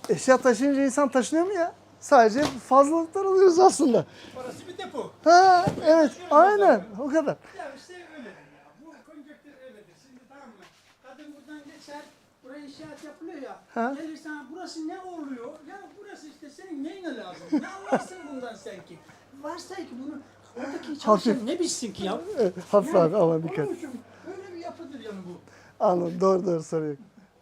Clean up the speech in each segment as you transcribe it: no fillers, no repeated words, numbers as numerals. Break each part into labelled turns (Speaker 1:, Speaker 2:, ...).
Speaker 1: Eşya taşıyınca insan taşınıyor mu ya? Sadece fazlalıklar alıyoruz aslında.
Speaker 2: Orası bir depo.
Speaker 1: Ha evet aynen o kadar.
Speaker 2: Ya işte öyledir ya. Bu konjonktür öyledir. Şimdi tamam mı? Kadın buradan geçer. Buraya inşaat yapılıyor ya.
Speaker 1: Ha.
Speaker 2: Gelir sana burası ne oluyor? Ya burası işte senin neyine lazım? Ne anlarsın bundan sen ki? Varsa ki bunu oradaki çalışan ne bilsin ki ya?
Speaker 1: Evet, hafif abi aman dikkat.
Speaker 2: Onun için öyle bir yapıdır yani bu.
Speaker 1: Anladım doğru soruyor.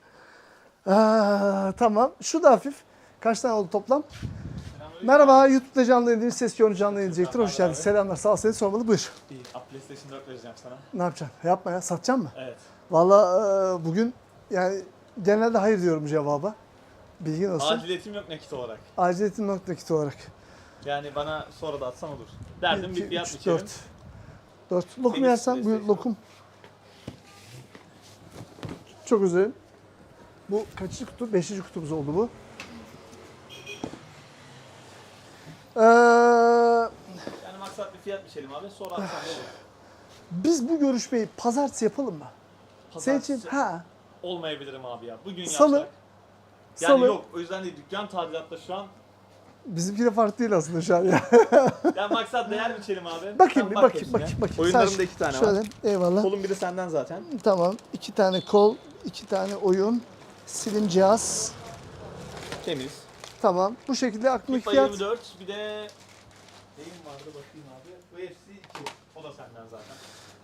Speaker 1: Tamam şu da hafif. Kaç tane oldu toplam? Merhaba YouTube'da canlı yayın, ses yoğun canlı yayın diyecektir. Hoş geldin. Selamlar sağ ol seni sormalı buyur.
Speaker 3: İyi. PlayStation 4 vereceğim sana.
Speaker 1: Ne yapacaksın? Yapma ya satacaksın mı?
Speaker 3: Evet.
Speaker 1: Valla bugün yani genelde hayır diyorum cevaba. Bilgin olsun.
Speaker 3: Aciliyetim yok nakit olarak.
Speaker 1: Aciliyetin nakit olarak.
Speaker 3: Yani bana sonra da atsan olur. Derdim
Speaker 1: 1,
Speaker 3: bir
Speaker 1: 2,
Speaker 3: fiyat
Speaker 1: 3,
Speaker 3: biçelim.
Speaker 1: 4. Lokum
Speaker 3: Benim
Speaker 1: yersen buyur
Speaker 3: PlayStation.
Speaker 1: lokum. Çok özür dilerim. Bu kaçıncı kutu? 5. kutumuz oldu bu.
Speaker 3: Yani maksat bir fiyat biçelim abi. Sonra atsan da olur.
Speaker 1: Biz bu görüşmeyi pazartesi yapalım mı? Senin için
Speaker 3: Pazartesi olmayabilirim abi ya. Bugün
Speaker 1: Salı.
Speaker 3: yapsak. Yani
Speaker 1: Salı.
Speaker 3: yok. O yüzden değil. Dükkan tadilatta şu an.
Speaker 1: Bizimki de farklı değil aslında şu an ya.
Speaker 3: Yani maksat değer biçelim abi.
Speaker 1: Bakayım
Speaker 3: Sen
Speaker 1: bir
Speaker 3: bak
Speaker 1: bakayım
Speaker 3: hepsine.
Speaker 1: bakayım.
Speaker 3: Oyunlarımda
Speaker 1: Sen
Speaker 3: 2 tane
Speaker 1: şöyle,
Speaker 3: var.
Speaker 1: eyvallah.
Speaker 3: Kolun biri senden zaten.
Speaker 1: Tamam. 2 tane kol, 2 tane oyun, silim cihaz.
Speaker 3: Temiz.
Speaker 1: Tamam. Bu şekilde aklımdaki
Speaker 3: FIFA
Speaker 1: fiyat.
Speaker 3: 24 bir de neyim vardı bakayım abi. UFC 2. O da senden zaten.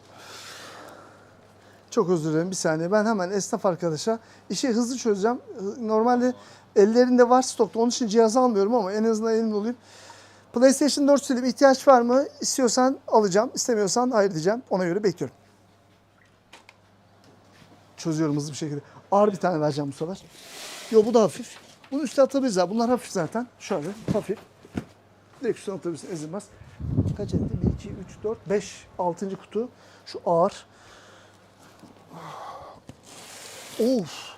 Speaker 1: Çok özür dilerim bir saniye. Ben hemen esnaf arkadaşa işi hızlı çözeceğim. Normalde ellerinde var stokta. Onun için cihaz almıyorum ama en azından elimde olayım. PlayStation 4 Slim ihtiyaç var mı? İstiyorsan alacağım. İstemiyorsan hayır diyeceğim. Ona göre bekliyorum. Çözüyorum hızlı bir şekilde. Ağır bir tane vereceğim bu sefer. Yo bu da hafif. Bunu üstüne atabiliriz abi. Bunlar hafif zaten. Şöyle hafif. Direkt üstüne atabilirsin ezilmez. Kaç etti? 1, 2, 3, 4, 5. 6. kutu. Şu ağır. Of.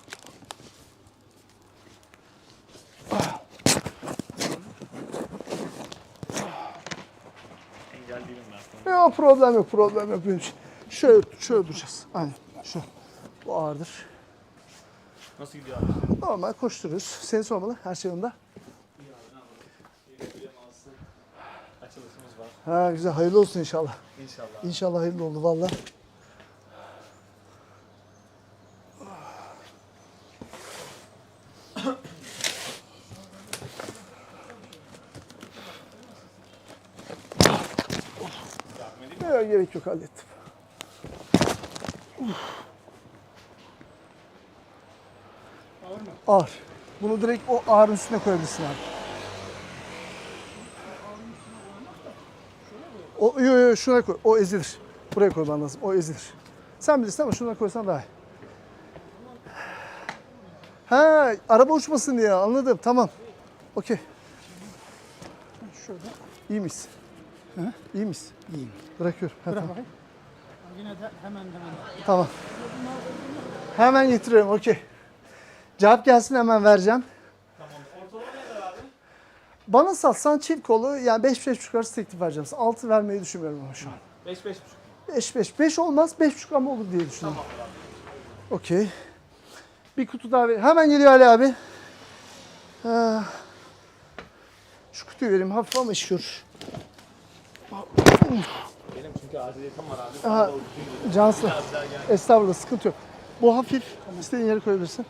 Speaker 3: Engel değilim ben sana.
Speaker 1: Yok problem yok problem yok benim için. Şöyle duracağız. Aynen şu. Bu ağırdır.
Speaker 3: Nasıl gidiyor abi?
Speaker 1: Normal koşturuyoruz. Seni sormalı. Her şey yolunda.
Speaker 3: İyi abi ne yapalım? Yeni mağazası açılışımız var.
Speaker 1: Ha güzel. Hayırlı olsun inşallah.
Speaker 3: İnşallah.
Speaker 1: İnşallah hayırlı oldu valla. Yok, gerek yok hallettim.
Speaker 2: Ağır mı?
Speaker 1: Ağır. Bunu direkt o ağırın üstüne koyabilirsin abi. Yo, şuna koy. O ezilir. Buraya koyman lazım. O ezilir. Sen bilirsin ama şuna koysan daha iyi. Ha, araba uçmasın diye anladım. Tamam. Okey.
Speaker 2: Şöyle.
Speaker 1: İyi miyiz? İyi miyiz?
Speaker 2: İyiyim.
Speaker 1: Bırakıyorum. Ha,
Speaker 2: Bırak
Speaker 1: tamam.
Speaker 2: bakayım. Yine de hemen.
Speaker 1: Tamam. Hemen getiriyorum. Okey. Cevap gelsin hemen vereceğim.
Speaker 3: Tamam. Ortalama ne kadar abi?
Speaker 1: Bana satsan çift kolu yani 5-5,5 arası teklif vereceğim. 6 vermeyi düşünmüyorum ama şu an.
Speaker 3: 5-5,5.
Speaker 1: 5 olmaz 5,5 ama olur diye düşünüyorum.
Speaker 3: Tamam abi.
Speaker 1: Okey. Bir kutu daha ver. Hemen geliyor Ali abi. Şu kutuyu vereyim hafif ama iş görür.
Speaker 3: Benim çünkü aciliyetim var abi.
Speaker 1: Aha,
Speaker 3: Sana da uygun değil.
Speaker 1: Cansın.
Speaker 3: Biraz daha gel.
Speaker 1: Estağfurullah sıkıntı yok. Bu hafif. İstediğin yere koyabilirsin.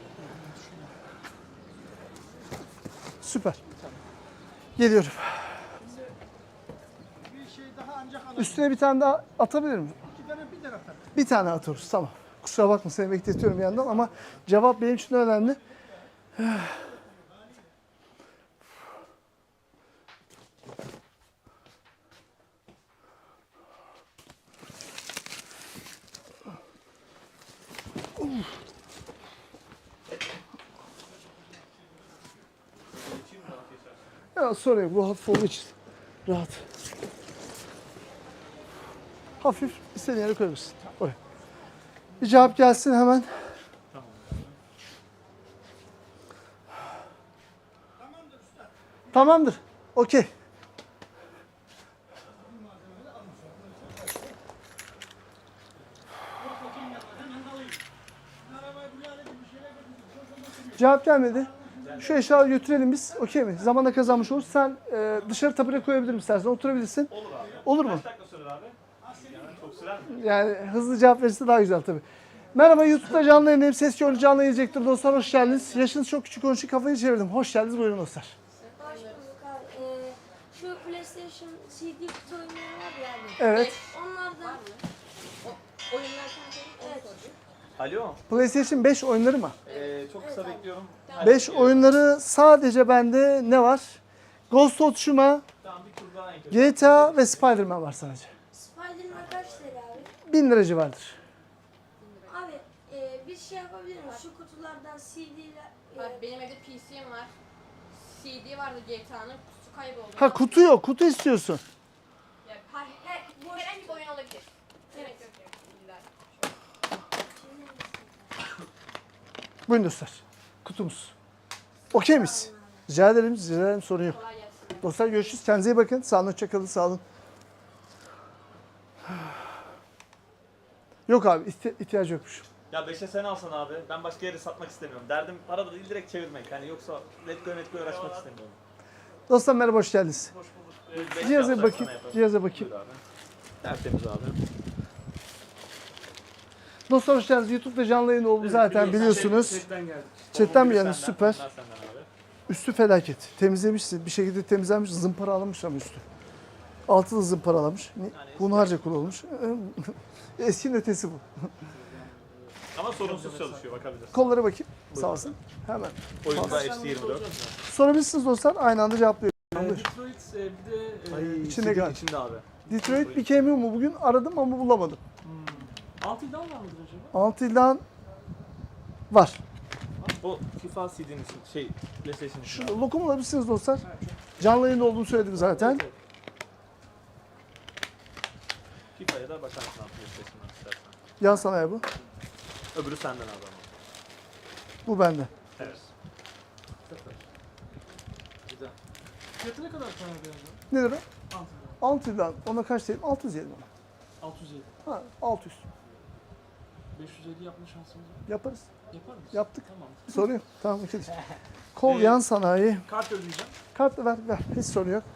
Speaker 1: Süper. Geliyorum.
Speaker 2: Bir şey daha ancak alabilirim.
Speaker 1: Üstüne bir tane daha atabilir miyim?
Speaker 2: 2 tane bir taraftan.
Speaker 1: Bir tane atıyoruz tamam. Kusura bakma seni bekletiyorum bir yandan ama cevap benim için önemli. Ya sorun yok bu hafif olduğu için rahat. Hafif istediğin yere koyabilirsin. Oraya. Bir cevap gelsin hemen. Tamamdır. Okey. Cevap gelmedi. Şu eşyaları götürelim biz. Okey mi? Zamanda kazanmış oluruz. Sen dışarı tapire koyabilirim istersen. Oturabilirsin.
Speaker 3: Olur abi.
Speaker 1: Olur mu?
Speaker 3: Kaç dakika sürer abi? Yani çok sürer mi?
Speaker 1: Yani hızlı cevap verirse daha güzel tabii. Merhaba, YouTube'da canlı yayındayım. Ses görüntü canlı yayılacaktır dostlar. Hoş geldiniz. Yaşınız çok küçük, onun için kafayı çevirdim. Hoş geldiniz. Buyurun dostlar.
Speaker 4: Hoş bulduk abi. Şu PlayStation CD kutu oyunları var ya abi.
Speaker 1: Evet.
Speaker 4: Onlardan
Speaker 5: Oyunlarken
Speaker 4: evet.
Speaker 3: Alo.
Speaker 1: PlayStation 5 oyunları mı?
Speaker 3: Çok kısa bekliyorum.
Speaker 1: 5 oyunları sadece bende ne var? Ghost of Tsushima,
Speaker 3: Tamam, bir tur daha en kötü.
Speaker 1: GTA ve Spider-Man var sadece.
Speaker 4: Spider-Man kaç TL abi?
Speaker 1: 1000 lira civarıdır.
Speaker 4: Abi bir şey yapabilir miyiz? Şu kutulardan CD'ler
Speaker 5: Bak benim evde PC'm var. CD vardı GTA'nın, kutusu kayboldu.
Speaker 1: Ha, kutu yok. Kutu istiyorsun.
Speaker 5: Ya, herhangi bir oyun olabilir. Gerek yok. İlla.
Speaker 1: Buyurun dostlar. Kutumuz. Okey miyiz? Rica ederim. Rica ederim. Sorun yok.
Speaker 5: Kolay gelsin.
Speaker 1: Dostlar görüşürüz. Kendinize iyi bakın. Sağ olun. Hoşça kalın. Sağ olun. Yok abi. ihtiyacı yokmuş.
Speaker 3: Ya 5'e sen alsan abi. Ben başka yere satmak istemiyorum. Derdim para da değil, direkt çevirmek. Hani yoksa letgo uğraşmak istemiyorum.
Speaker 1: Dostlar merhaba. Hoş geldiniz.
Speaker 3: Hoş bulduk.
Speaker 1: Cihaza bakayım. Cihaza bakayım.
Speaker 3: Buyur abi. Tertemiz abi.
Speaker 1: Dostlar hoş geldiniz. YouTube'da canlı yayın oldu zaten biliyorsunuz.
Speaker 2: Chatten geldik.
Speaker 1: Chatten mi
Speaker 3: Biri
Speaker 1: geldiniz?
Speaker 3: senden,
Speaker 1: Süper.
Speaker 3: bunlar senden abi.
Speaker 1: Üstü felaket. Temizlemişsin. Bir şekilde temizlenmiş. Zımparalamış ama üstü. Altı da zımparalamış. Hunharca kullanılmış. Eskinin ötesi bu.
Speaker 3: Ama sorunsuz çalışıyor, bakabilirsin.
Speaker 1: Kollara bakayım. Sağ olsun. Hemen.
Speaker 3: Oyunda FC24.
Speaker 1: Sorabilirsiniz dostlar. Aynı anda cevaplıyorum.
Speaker 2: Detroit bir de
Speaker 1: İçinde galiba.
Speaker 3: İçinde abi.
Speaker 1: Detroit Become Human bugün aradım ama bulamadım.
Speaker 2: 6 iddia var mıdır acaba?
Speaker 1: 6 ilan var.
Speaker 3: O FIFA CD'nin için PlayStation için.
Speaker 1: Şu lokum alabilirsiniz dostlar. Canlı yayında olduğunu söyledim zaten.
Speaker 3: FIFA'ya da bakarsın abi PlayStation'dan istersen.
Speaker 1: Yan sanayi bu.
Speaker 3: Öbürü senden abi ama.
Speaker 1: Bu bende.
Speaker 3: Evet. Güzel.
Speaker 2: Fiyatı ne kadar tane acaba?
Speaker 1: Ne lira?
Speaker 2: 6
Speaker 1: 6 ilan. Ona kaç diyelim? 600 diyelim ona.
Speaker 2: 607.
Speaker 1: Ha, 600.
Speaker 2: 550 yapma şansımız var.
Speaker 1: Yaparız.
Speaker 2: Yapar mısın?
Speaker 1: Yaptık.
Speaker 2: Tamam.
Speaker 1: Sorun yok. Tamam. ikidir. Kol yan sanayi.
Speaker 2: Kart ödeyeceğim.
Speaker 1: Kartla ver. Hiç sorun yok.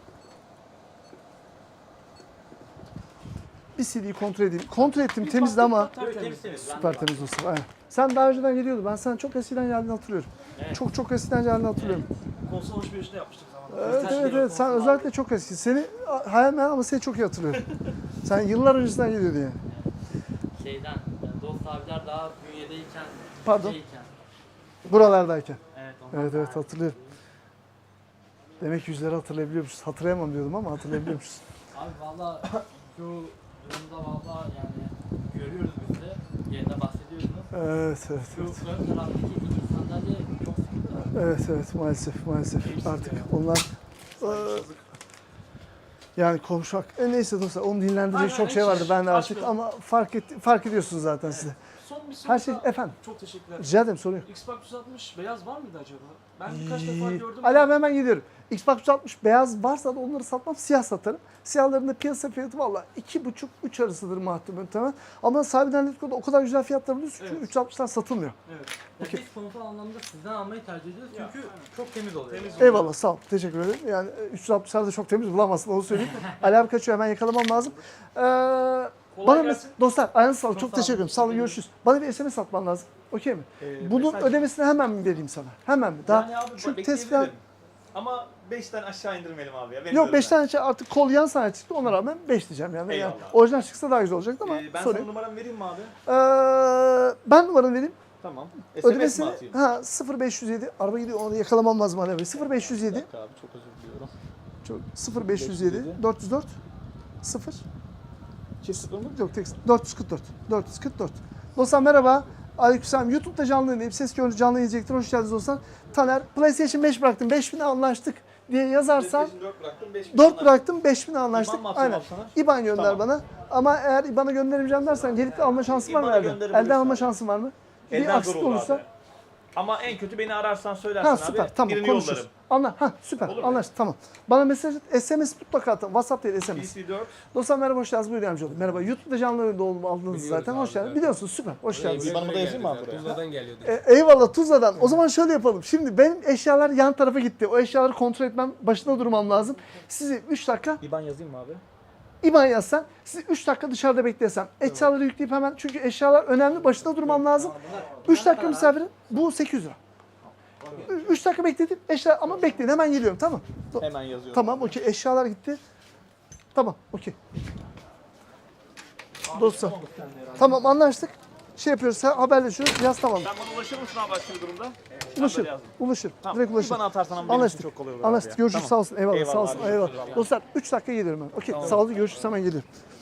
Speaker 1: Bir CD'yi kontrol edeyim. Kontrol ettim temizdi ama süper temiz dostum. Aynen. Sen daha önceden geliyordun. Ben sana çok eskiden geldiğini hatırlıyorum.
Speaker 3: Evet.
Speaker 1: Çok eskiden geldiğini hatırlıyorum.
Speaker 2: Konsol alışverişinde yapmıştık zamanında.
Speaker 1: Evet. Sen özellikle çok eski. Seni hayal meyal ama seni çok iyi hatırlıyorum. Sen yıllar öncesinden geliyordun yani.
Speaker 6: Şeyden, Dost abiler daha bünyedeyken,
Speaker 1: Pardon.
Speaker 6: şeyken.
Speaker 1: Buralardayken.
Speaker 6: Evet, ondan
Speaker 1: Evet
Speaker 6: daha-
Speaker 1: hatırlıyorum. Demek yüzleri hatırlayabiliyormuşuz. Hatırlayamam diyordum ama hatırlayabiliyormuşuz.
Speaker 6: Abi valla şu durumda valla yani görüyoruz biz de, yerine bahsediyorsunuz.
Speaker 1: Evet.
Speaker 6: Şu ön taraftaki iki sandalye çok sıkıntı.
Speaker 1: Evet maalesef artık onlar yani konuşmak. Neyse dostlar onu dinlendirecek
Speaker 2: Aynen,
Speaker 1: çok şey vardı ben de artık
Speaker 2: açmayalım.
Speaker 1: ama fark ediyorsunuz zaten size.
Speaker 2: Son bir soru
Speaker 1: Her şey
Speaker 2: daha.
Speaker 1: efendim.
Speaker 2: Çok teşekkürler.
Speaker 1: Rica ederim sorun yok.
Speaker 2: Xbox 360 beyaz var mıydı acaba? Ben birkaç defa gördüm.
Speaker 1: Ali abi hemen gidiyorum. Xbox 360 beyaz varsa da onları satmam, siyah satarım. Siyahların da piyasa fiyatı valla 2,5-3 arasıdır muhtemelen. Ama sahibinden Letgo'da o kadar güzel fiyatlar buluyorsun ki
Speaker 2: Evet.
Speaker 1: 360'lar satılmıyor.
Speaker 2: Evet.
Speaker 6: Ya
Speaker 1: Okey.
Speaker 6: biz konusal anlamda sizden almayı tercih ediyoruz çünkü
Speaker 2: Ya,
Speaker 6: çok temiz oluyor.
Speaker 2: Temiz oluyor.
Speaker 1: Eyvallah sağ ol. Teşekkür ederim. Yani 360'lar da çok temiz bulamazsın onu söyleyeyim. Ali abi kaçıyor hemen yakalamam lazım. Bana
Speaker 2: gelsin.
Speaker 1: dostlar ayağınız sağlık. Çok
Speaker 6: sağ
Speaker 1: teşekkür ederim. Sağ olun görüşürüz. Bana bir SMS atman lazım. Okey mi? Bunun
Speaker 3: mesaj-
Speaker 1: ödemesini hemen mi vereyim sana? Hemen mi? Daha
Speaker 3: Yani abi
Speaker 1: şu
Speaker 3: bekleyebilirim.
Speaker 1: test falan.
Speaker 3: Ama 5'ten aşağı indirmeyelim abi ya. Benim
Speaker 1: Yok
Speaker 3: gözümden.
Speaker 1: 5 tane artık kol yan sanayi çıktı ona rağmen 5 diyeceğim yani.
Speaker 3: Eyvallah.
Speaker 1: Yani orijinal çıksa daha güzel olacaktı ama
Speaker 3: Ben sana
Speaker 1: sorayım.
Speaker 3: numaramı vereyim mi abi?
Speaker 1: Ben numaranı vereyim.
Speaker 3: Tamam. SMS mi
Speaker 1: Ödemesini
Speaker 3: atayım?
Speaker 1: 0507 araba gidiyor onu yakalamam lazım Ali abi. 0507
Speaker 3: Bir dakika abi, çok özür diliyorum.
Speaker 1: çok 0507 404 0
Speaker 3: Çift sıfır mı?
Speaker 1: yok tek 444. Dostlar merhaba. Aleykümselam. YouTube'da canlı yayındayım. Ses görüntü canlı yayıncıdır. Hoş geldiniz dostlar. Taner PlayStation 5 bıraktım. 5000'e anlaştık diye yazarsan
Speaker 3: PlayStation 4 bıraktım, 5
Speaker 1: 4 bıraktım 5000'e anlaştık.
Speaker 3: İban mı atayım
Speaker 1: Aynen.
Speaker 3: abi sana?
Speaker 1: İban gönder
Speaker 3: Tamam.
Speaker 1: bana. Ama eğer IBAN'a gönderemeyeceğim dersen gelip de alma şansın var mı
Speaker 3: İBAN'a
Speaker 1: elden?
Speaker 3: gönderebilirsin
Speaker 1: Elden alma
Speaker 3: abi.
Speaker 1: şansın var mı? Bir
Speaker 3: Elden zor
Speaker 1: aksilik
Speaker 3: olur
Speaker 1: olursa
Speaker 3: abi. Ama en kötü beni ararsan söylersin
Speaker 1: süper.
Speaker 3: abi.
Speaker 1: Tamam
Speaker 3: Birini
Speaker 1: konuşuruz.
Speaker 3: yollarım.
Speaker 1: Süper.
Speaker 3: Olur mu?
Speaker 1: Anlaştık. Tamam. Bana mesaj at. SMS mutlaka atın. WhatsApp değil SMS.
Speaker 3: PC4.
Speaker 1: Dostlar merhaba, hoş geldiniz. Buyurun yardımcı olun. Merhaba. YouTube'da canlı yayında aldınız zaten. Hoş geldiniz. Biliyorsunuz, süper. Hoş geldiniz.
Speaker 3: İban'ımı da yazayım mı abi buraya?
Speaker 7: Tuzla'dan geliyordu.
Speaker 1: Eyvallah, Tuzla'dan. O zaman şöyle yapalım. Şimdi benim eşyalar yan tarafa gitti. O eşyaları kontrol etmem, başında durmam lazım. Sizi 3 dakika
Speaker 3: İban yazayım mı abi?
Speaker 1: İban yazsan, sizi 3 dakika dışarıda beklesem. Eşyaları yükleyip hemen, çünkü eşyalar önemli, başında durmam lazım. 3 dakika misafirim, bu 800 lira. 3 dakika bekledim, eşya ama bekleyin, hemen geliyorum, tamam.
Speaker 3: Hemen yazıyorum.
Speaker 1: Tamam, okey, eşyalar gitti. Tamam, okey. Dostum, tamam anlaştık. Şey yapıyoruz, haberleşiyoruz, yaz tamam.
Speaker 3: Sen bana ulaşır mısın abi başka bir durumda?
Speaker 1: Ulaşır,
Speaker 3: yazdım.
Speaker 1: ulaşır,
Speaker 3: Tamam.
Speaker 1: direkt ulaşır.
Speaker 3: İban'ı atarsan ama benim için
Speaker 1: Anlaştık,
Speaker 3: çok kolay olur
Speaker 1: anlaştık.
Speaker 3: abi ya.
Speaker 1: Görüşürüz,
Speaker 3: Tamam.
Speaker 1: sağ olsun, eyvallah,
Speaker 3: Eyvallah
Speaker 1: sağ olsun,
Speaker 3: abi,
Speaker 1: eyvallah.
Speaker 3: görüşürüz abi.
Speaker 1: Dostlar, 3 dakika geliyorum ben. Okey, sağ olun, görüşürüz, hemen geliyorum.